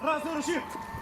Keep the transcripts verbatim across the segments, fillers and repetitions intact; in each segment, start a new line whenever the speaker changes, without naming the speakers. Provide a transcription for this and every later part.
Разом руші!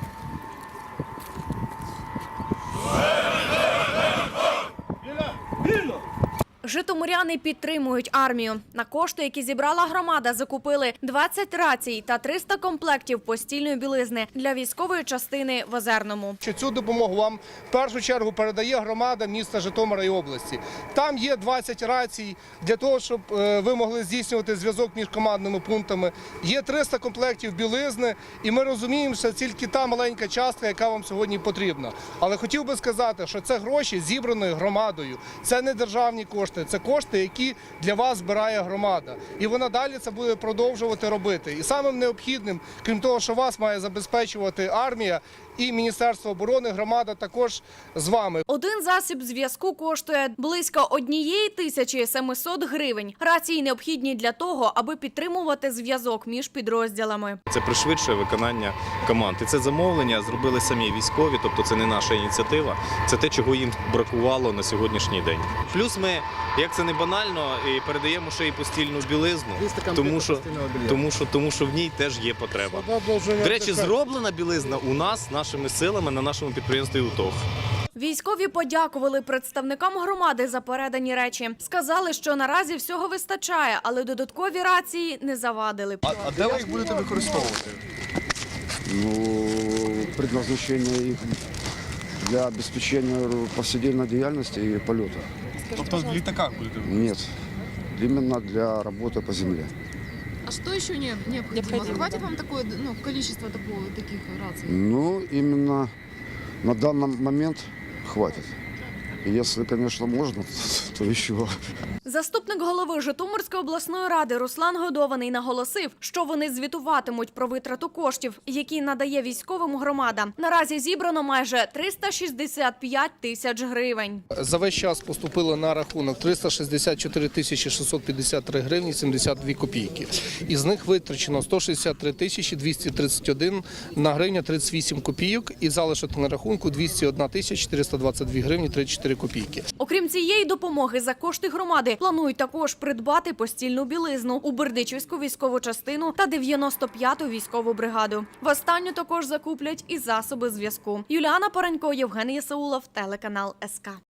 Вільно!
Житомиряни підтримують армію. На кошти, які зібрала громада, закупили двадцять рацій та триста комплектів постільної білизни для військової частини в Озерному.
Цю допомогу вам в першу чергу передає громада міста Житомира і області. Там є двадцять рацій для того, щоб ви могли здійснювати зв'язок між командними пунктами. Є триста комплектів білизни, і ми розуміємо, що це тільки та маленька частка, яка вам сьогодні потрібна. Але хотів би сказати, що це гроші зібрані громадою, це не державні кошти. Це кошти, які для вас збирає громада. І вона далі це буде продовжувати робити. І самим необхідним, крім того, що вас має забезпечувати армія і Міністерство оборони, громада також з вами.
Один засіб зв'язку коштує близько однієї тисячі семисот гривень. Рації необхідні для того, аби підтримувати зв'язок між підрозділами.
Це пришвидшує виконання команд. І це замовлення зробили самі військові, тобто це не наша ініціатива, це те, чого їм бракувало на сьогоднішній день. Плюс ми, як це не банально, і передаємо ще й постільну білизну, тому що, тому, що, тому що в ній теж є потреба. До речі, зроблена білизна у нас, нашими силами, на нашому підприємстві УТОГ.
Військові подякували представникам громади за передані речі. Сказали, що наразі всього вистачає, але додаткові рації не завадили.
А, а де ви їх будете використовувати?
Ну, предназначение их для обеспечения повседневной деятельности и полета.
Тобто в літаках будете?
Нет, именно для работы по земле.
А что еще не, необходимо? Хватит вам такое, ну, количество такого, таких раций?
Ну, именно на данный момент хватит. Если, конечно, можно, то еще.
Заступник голови Житомирської обласної ради Руслан Годований наголосив, що вони звітуватимуть про витрату коштів, які надає військовим громада. Наразі зібрано майже триста шістдесят п'ять тисяч гривень.
За весь час поступило на рахунок триста шістдесят чотири тисячі шістсот п'ятдесят три гривні сімдесят дві копійки. Із них витрачено сто шістдесят три тисячі двісті тридцять один на гривня тридцять вісім копійок і залишок на рахунку двісті одна тисяча чотириста двадцять дві гривні тридцять чотири копійки.
Окрім цієї допомоги, за кошти громади планують також придбати постільну білизну у Бердичівську військову частину та дев'яносто п'яту військову бригаду. В останню також закуплять і засоби зв'язку. Юліана Паранько, Євген Єсаулов, телеканал ес ка.